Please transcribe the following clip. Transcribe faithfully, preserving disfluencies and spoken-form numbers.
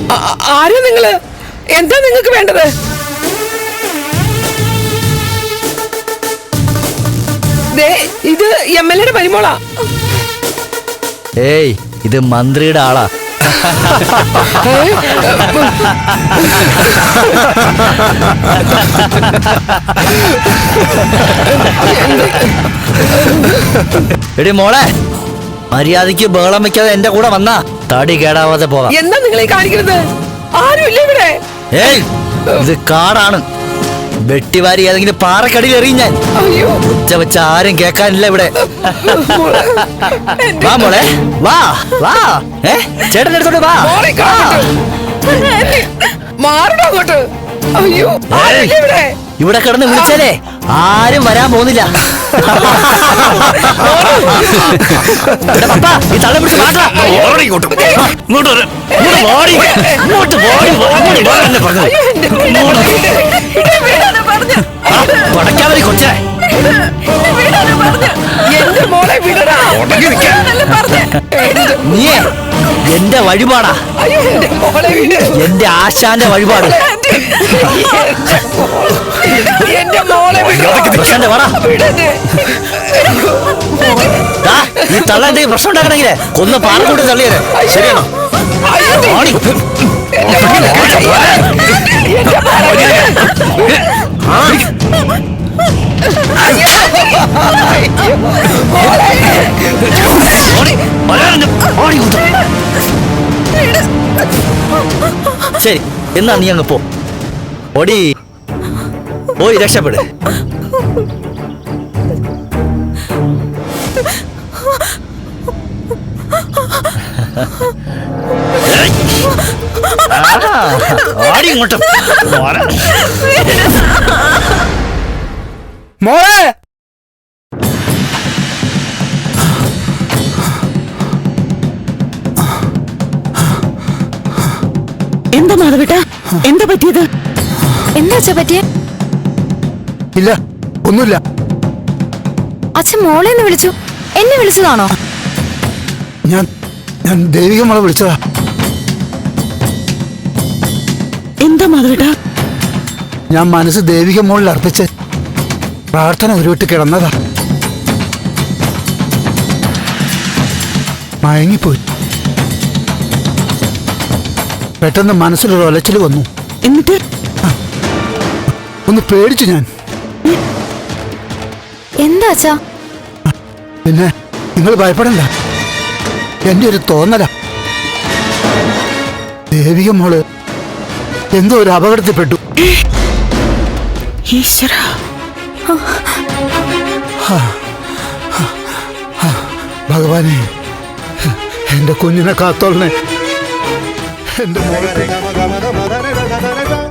ആരാ നിങ്ങള്? എന്താ നിങ്ങൾക്ക് വേണ്ടത്? ഇത് എം എൽ എയുടെ പരിമോളാ. ഏയ്, ഇത് മന്ത്രിയുടെ ആളാ. എടി മോളെ, മര്യാദയ്ക്ക് ബഹളം വെക്കാതെ എന്റെ കൂടെ വന്നാ തടി കേടാവാതെ പോകാം. എന്താ നിങ്ങളെ കാണിക്കുന്നത്? ആരുമില്ല ഇവിടെ. ഏയ്, ഇത് കാടാണ്. വെട്ടിവാരി ഏതെങ്കിലും പാറക്കടിയിൽ എറിയും ഞാൻ. ഉച്ച വെച്ച ആരും കേൾക്കാനില്ല ഇവിടെ. വാ മോളെ, വാ വാ. ഏ ചേട്ടൻ എടുത്തോണ്ട് വാ. മാറണോട്ട്. അയ്യോ, ഇവിടെ കിടന്ന് വിളിച്ചാലേ ആരും വരാൻ പോകുന്നില്ല. ഈ തള്ള പിടിച്ച് മാറ്റാ. പടക്കാവരി കൊച്ചേ, നീ എന്റെ വഴിപാടാ. എന്റെ ആശാന്റെ വഴിപാട്. ഈ തള്ള എന്തെങ്കിലും പ്രശ്നം ഉണ്ടാക്കണമെങ്കിലേ കൊന്ന് പാറക്കൂട്ടി തള്ളിയത് ശരിയാണോ? ശരി, എന്നാ നീ അങ്ങ് പോ. ഓടി പോയി രക്ഷപ്പെട്. ഓടി ഇങ്ങോട്ടും. മോളെ, എന്താ മാധവേട്ട, എന്താ പറ്റിയത്? എന്താ അച്ഛ പറ്റിയ? ഇല്ല, ഒന്നുമില്ല. അച്ഛൻ മോളെ എന്ന് വിളിച്ചു. എന്നെ വിളിച്ചതാണോ? ഞാൻ ഞാൻ ദേവിക മോളെ വിളിച്ചതാ. എന്താ മാധവേട്ട? ഞാൻ മനസ്സ് ദേവിക മോളിൽ അർപ്പിച്ച് പ്രാർത്ഥന ഉരുവിട്ട് കിടന്നതാ. മയങ്ങിപ്പോയി. പെട്ടെന്ന് മനസ്സിലൊരു ഒലച്ചിൽ വന്നു. എന്നിട്ട് ഒന്ന് പേടിച്ചു ഞാൻ. എന്താ അച്ഛാ? പിന്നെ നിങ്ങൾ ഭയപ്പെടണ്ട, എന്റെ ഒരു തോന്നല. ദേവിക മോള് എന്തോ ഒരു അപകടത്തിൽപ്പെട്ടു. ഈശ്വര, ഭഗവാനെ, എന്റെ കുഞ്ഞിനെ കാത്തോളനെ. എന്റെ മോളെ